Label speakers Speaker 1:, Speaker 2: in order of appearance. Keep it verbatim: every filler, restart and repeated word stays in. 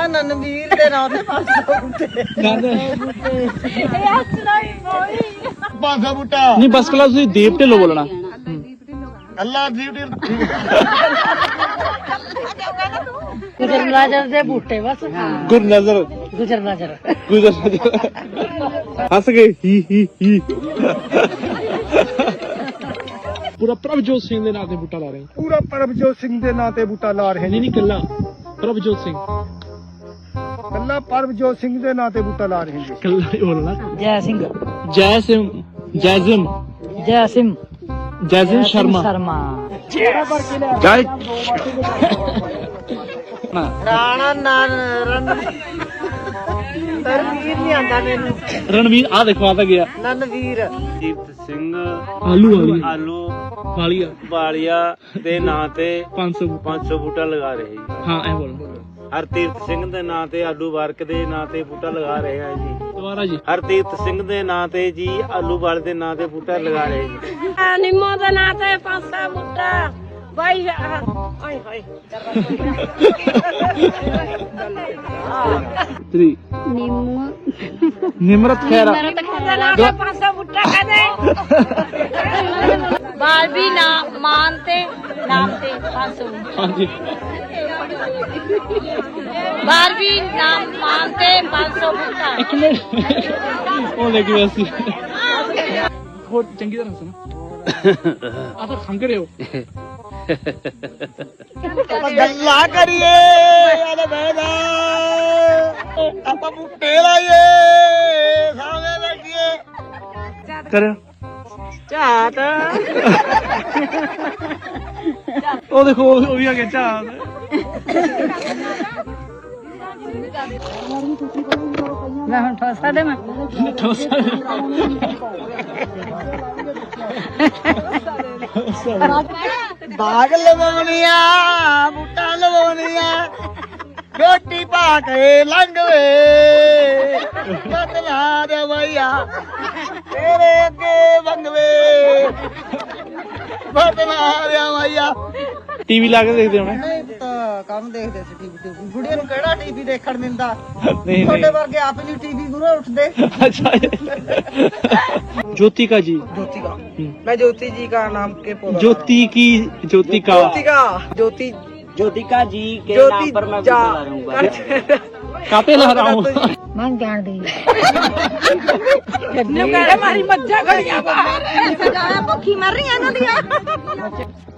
Speaker 1: ਨਨਵੀਰ ਦੇ ਨਾਂ ਤੇ ਪੰਜ ਸੌ ਬੂਟੇ
Speaker 2: ਪੰਜ ਸੌ ਬੂਟਾ
Speaker 3: ਨਹੀਂ ਬਸ ਕਲਾ ਤੁਸੀਂ ਦੀਪ ਢਿੱਲੋਂ ਬੋਲਣਾ
Speaker 2: ਅੱਲਾ ਦੀਪ
Speaker 1: ਗੁਜਰ ਨਜ਼ਰ ਦੇ ਬੂਟੇ ਬਸ
Speaker 3: ਗੁਰ ਨਜ਼ਰ
Speaker 1: ਗੁਜਰ ਨਜ਼ਰ
Speaker 3: ਗੁਜ਼ਰ ਹੱਸ ਗਏ ਹੀ ਹੀ ਹੀ ਪੂਰਾ ਪ੍ਰਭਜੋਤ ਸਿੰਘ ਦੇ ਨਾਂ ਤੇ ਬੂਟਾ ਲਾ ਰਹੇ
Speaker 2: ਪੂਰਾ ਪ੍ਰਭਜੋਤ ਸਿੰਘ ਦੇ ਨਾਂ ਤੇ ਬੂਟਾ ਲਾ ਰਹੇ
Speaker 3: ਨਹੀਂ ਨਹੀਂ ਕੱਲਾ ਪ੍ਰਭਜੋਤ ਸਿੰਘ
Speaker 2: ਕੱਲਾ ਪ੍ਰਭਜੋਤ ਸਿੰਘ ਦੇ ਨਾਂ ਤੇ ਬੂਟਾ ਲਾ ਰਹੇ ਜੀ
Speaker 3: ਕੱਲਾ ਹੀ ਬੋਲਣਾ
Speaker 1: ਜੈ ਸਿੰਘ
Speaker 3: ਜੈ ਸਿੰਘ ਜੈਜ਼ਮ
Speaker 1: ਜੈ ਸਿੰਘ
Speaker 3: ਜੈਜ਼ਮ ਸ਼ਰਮਾ
Speaker 1: ਸ਼ਰਮਾ
Speaker 3: ਜੈ
Speaker 1: ਰਾਣਾ ਨਾਨ ਰਣਵੀਰ ਨਹੀਂ ਆਂਦਾ ਮੈਨੂੰ
Speaker 3: ਰਣਵੀਰ ਆ ਦੇਖੋ ਆ ਤਾਂ ਗਿਆ
Speaker 1: ਨਨਵੀਰ
Speaker 4: ਦੀਪਤ ਸਿੰਘ
Speaker 3: ਆਲੂ ਵਾਲੀ
Speaker 4: ਆਲੂ
Speaker 3: ਵਾਲੀਆ
Speaker 4: ਵਾਲੀਆ ਦੇ ਨਾਂ ਤੇ
Speaker 3: ਪੰਜ ਸੌ
Speaker 4: ਪੰਜ ਸੌ ਬੂਟਾ ਲਗਾ ਰਹੇ ਜੀ।
Speaker 3: ਹਾਂ ਇਹ ਬੋਲ
Speaker 4: ਹਰਤੀਰਥ ਸਿੰਘ ਦੇ ਨਾਂ ਤੇ ਆਲੂ ਵਾਰਕ ਦੇ ਨਾਂ ਤੇ ਬੂਟਾ ਲਗਾ ਰਹੇ ਆ ਜੀ।
Speaker 3: ਦੁਬਾਰਾ ਜੀ
Speaker 4: ਹਰਤੀਰਥ ਸਿੰਘ ਦੇ ਨਾਂ ਤੇ ਜੀ ਆਲੂ ਵਾਲ ਦੇ ਨਾਂ ਤੇ ਬੂਟਾ ਲਗਾ ਰਹੇ ਜੀ।
Speaker 1: ਨਿੰਮੋ ਦੇ ਨਾਂ ਤੇ ਪੰਜ ਸੌ ਬੂਟਾ ਬਾਈ ਹਾਏ ਹਾਏ
Speaker 3: ਤਰੀ
Speaker 1: ਨਿੰਮੋ
Speaker 3: ਨਿਮਰਤ ਖੈਰਾ
Speaker 1: ਦੇ ਨਾਂ ਤੇ ਪੰਜ ਸੌ ਬੂਟਾ ਕਹਦੇ ਬਾਲਵੀ ਨਾਮ ਮਾਨ ਤੇ ਨਾਮ ਤੇ ਪੰਜ ਸੌ
Speaker 3: ਹਾਂਜੀ
Speaker 1: ਬਾਲਵੀ ਨਾਮ ਮਾਨ ਤੇ ਪੰਜ ਸੌ ਬੂਟਾ
Speaker 3: ਇੱਕ ਮਿੰਟ ਉਹ ਲੈ ਕੇ ਵੈਸੀ ਹੋਰ ਚੰਗੀ ਤਰ੍ਹਾਂ ਸੁਣ ਆ ਤਾਂ ਖੰਗ ਰਹੇ ਹੋ
Speaker 2: ਆਪਾਂ ਗੱਲਾਂ ਕਰੀਏ ਆਦਾ ਬੈਦਾ ਆਪਾਂ ਬੂਟੇ ਲਾਈਏ ਸਾਹਮਣੇ ਬੈਠੀਏ
Speaker 3: ਕਰਿਓ
Speaker 1: ਝਾਤ
Speaker 3: ਉਹ ਦੇਖੋ ਉਹ ਵੀ ਆ ਗਿਆ ਚਾਹ
Speaker 1: ਮੈਂ ਹੁਣ ਠੋਸਾ ਦੇ ਮੈਂ
Speaker 2: ਬਾਗ ਲਵਾਉਣੀਆਂ ਬੂਟਾ ਲਵਾਉਣੀਆਂ ਰੋਟੀ ਪਾ ਕੇ ਲੰਘਵੇ ਬਦਲਾ ਦੇ ਵਈਆ ਤੇਰੇ ਅੱਗੇ ਵੰਗਵੇ ਬਦਲਾ ਦੇ ਵਈਆ
Speaker 3: ਟੀਵੀ ਲਾ ਕੇ ਦੇਖਦੇ ਹੋਣੇ
Speaker 2: ਨਹੀਂ ਤਾਂ ਕੰਮ ਦੇਖਦੇ ਸੀ ਟੀਵੀ ਤੇ ਬੁੜੀਆਂ ਨੂੰ ਕਿਹੜਾ ਟੀਵੀ ਦੇਖਣ ਦਿੰਦਾ
Speaker 3: ਨਹੀਂ
Speaker 2: ਤੁਹਾਡੇ
Speaker 3: ਨਹੀਂ
Speaker 2: ਵਰਗੇ ਆਪ ਨਹੀਂ ਟੀਵੀ ਗੁਰੂ ਉੱਠਦੇ
Speaker 3: अच्छा ज्योति का जी
Speaker 2: ज्योति का मैं ज्योति जी का नाम के पौधा
Speaker 3: ज्योति की ज्योति का
Speaker 2: ज्योति का ज्योति
Speaker 4: ज्योतिका जी के
Speaker 2: ज्योति
Speaker 4: नाम पर मैं
Speaker 2: जा
Speaker 4: बूटा लगाऊंगा।
Speaker 3: काते ला रहा हूँ
Speaker 1: ਮੈਂ ਜਾਣ ਦੀ ਨੂੰ ਕਹਿੰਦਾ ਮਾਰੀ ਮੱਝਾਂ ਖੜੀਆਂ ਬਾਹਰ ਸਜਾਇਆ ਭੁੱਖੀ ਮਰ ਰਹੀਆਂ ਇਹਨਾਂ ਦੀਆਂ